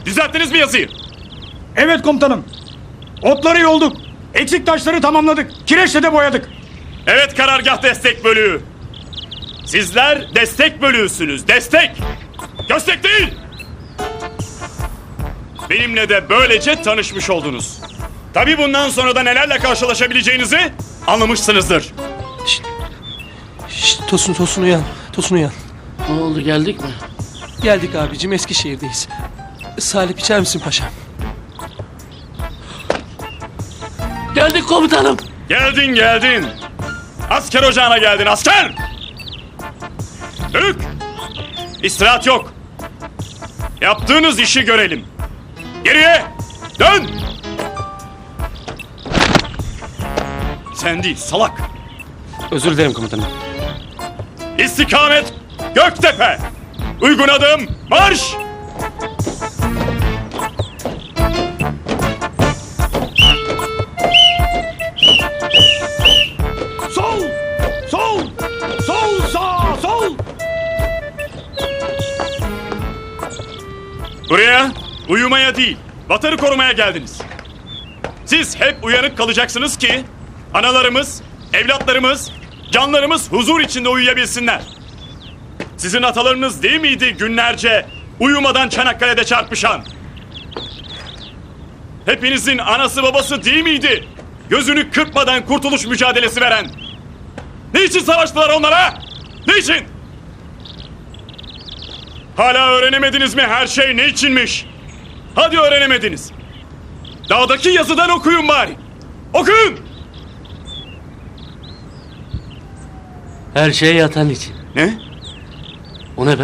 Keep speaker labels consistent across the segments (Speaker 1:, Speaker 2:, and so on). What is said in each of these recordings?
Speaker 1: Düzelttiniz mi yazıyı?
Speaker 2: Evet komutanım. Otları yolduk. Eksik taşları tamamladık. Kireçle de boyadık.
Speaker 1: Evet karargah destek bölüğü. Sizler destek bölüğüsünüz. Destek. Köstek değil. Benimle de böylece tanışmış oldunuz. Tabii bundan sonra da nelerle karşılaşabileceğinizi anlamışsınızdır.
Speaker 3: Şşt, Tosun uyan. Tosun uyan.
Speaker 4: Ne oldu, geldik mi?
Speaker 3: Geldik abicim, Eskişehir'deyiz. Salep içer misin paşam?
Speaker 4: Geldik komutanım.
Speaker 1: Geldin. Asker ocağına geldin asker. Bölük. İstirahat yok. Yaptığınız işi görelim. Geriye dön. Sen değil salak.
Speaker 3: Özür dilerim komutanım.
Speaker 1: İstikamet Göktepe. Uygun adım marş.
Speaker 2: Sol! Sol! Sol sağ! Sol!
Speaker 1: Buraya uyumaya değil, vatanı korumaya geldiniz. Siz hep uyanık kalacaksınız ki analarımız, evlatlarımız, canlarımız huzur içinde uyuyabilsinler. Sizin atalarınız değil miydi günlerce uyumadan Çanakkale'de çarpışan? Hepinizin anası babası değil miydi gözünü kırpmadan kurtuluş mücadelesi veren? Niçin savaştılar onlara? Niçin? Hala öğrenemediniz mi her şey ne içinmiş? Hadi öğrenemediniz. Dağdaki yazıdan okuyun bari. Okuyun.
Speaker 4: Her şey yatan için.
Speaker 1: Ne?
Speaker 4: O ne be?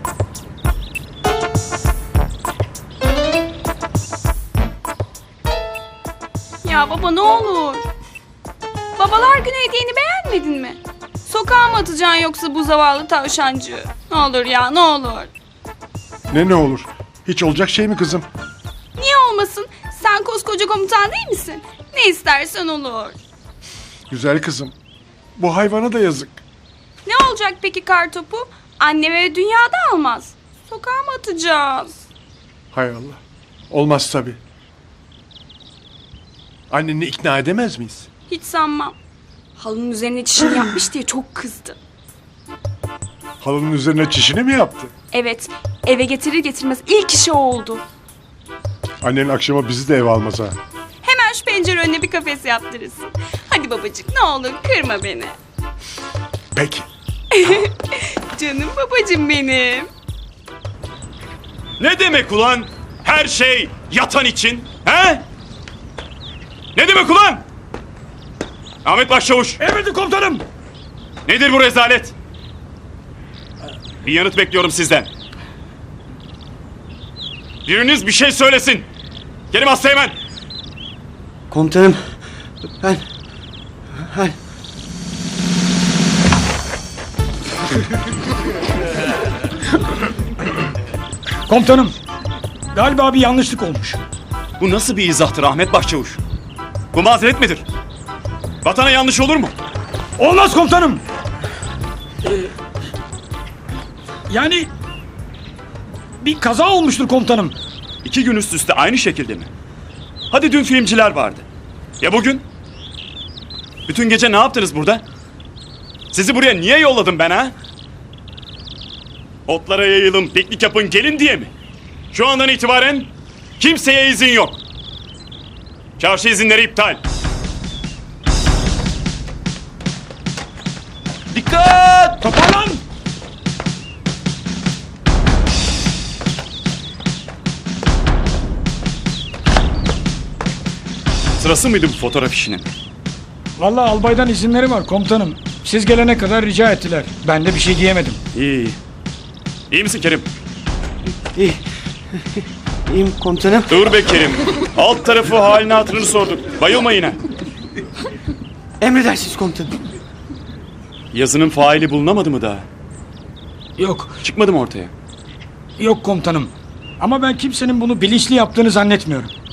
Speaker 5: Ya baba ne olur. Babalar günü hediyeni beğenmedin mi? Sokağa mı atacaksın yoksa bu zavallı tavşancığı? Ne olur ya ne olur.
Speaker 6: Ne olur? Hiç olacak şey mi kızım?
Speaker 5: Niye olmasın? Sen koskoca komutan değil misin? Ne istersen olur.
Speaker 6: Güzel kızım. Bu hayvana da yazık.
Speaker 5: Ne olacak peki kartopu? Anneme ve dünyada almaz. Sokağa mı atacağız?
Speaker 6: Hay Allah. Olmaz tabii. Anneni ikna edemez miyiz?
Speaker 5: Hiç sanmam. Halının üzerine çişini yapmış diye çok kızdı.
Speaker 6: Halının üzerine çişini mi yaptı?
Speaker 5: Evet, eve getirir getirmez ilk işi o oldu.
Speaker 6: Annen akşama bizi de eve almaz ha.
Speaker 5: Hemen şu pencere önüne bir kafes yaptırırsın. Hadi babacık ne olur kırma beni.
Speaker 6: Peki.
Speaker 5: Canım babacığım benim.
Speaker 1: Ne demek ulan? Her şey yatan için. He? Ne demek ulan? Ahmet Başçavuş.
Speaker 2: Emredin komutanım.
Speaker 1: Nedir bu rezalet? Bir yanıt bekliyorum sizden. Biriniz bir şey söylesin. Kerim Asteğmen.
Speaker 3: Komutanım, ben...
Speaker 2: Komutanım. Galiba bir yanlışlık olmuş.
Speaker 1: Bu nasıl bir izahtır Ahmet Başçavuş? Bu mazeret midir? Vatana yanlış olur mu?
Speaker 2: Olmaz komutanım. Yani bir kaza olmuştur komutanım.
Speaker 1: 2 gün üst üste aynı şekilde mi? Hadi dün filmciler vardı. Ya bugün? Bütün gece ne yaptınız burada? Sizi buraya niye yolladım ben ha? Otlara yayılın, piknik yapın, gelin diye mi? Şu andan itibaren kimseye izin yok. Çarşı izinleri iptal.
Speaker 3: Dikkat!
Speaker 2: Toparlan.
Speaker 1: Sırası mıydı bu fotoğraf işinin?
Speaker 2: Vallahi albaydan izinleri var komutanım. Siz gelene kadar rica ettiler. Ben de bir şey diyemedim.
Speaker 1: İyi. İyi misin Kerim?
Speaker 3: İyi. İyiyim komutanım.
Speaker 1: Dur be Kerim. Alt tarafı halini hatırını sorduk. Bayılma yine.
Speaker 3: Emredersiniz komutanım.
Speaker 1: Yazının faili bulunamadı mı daha?
Speaker 2: Yok,
Speaker 1: Çıkmadı mı ortaya?
Speaker 2: yok komutanım. Ama ben kimsenin bunu bilinçli yaptığını zannetmiyorum.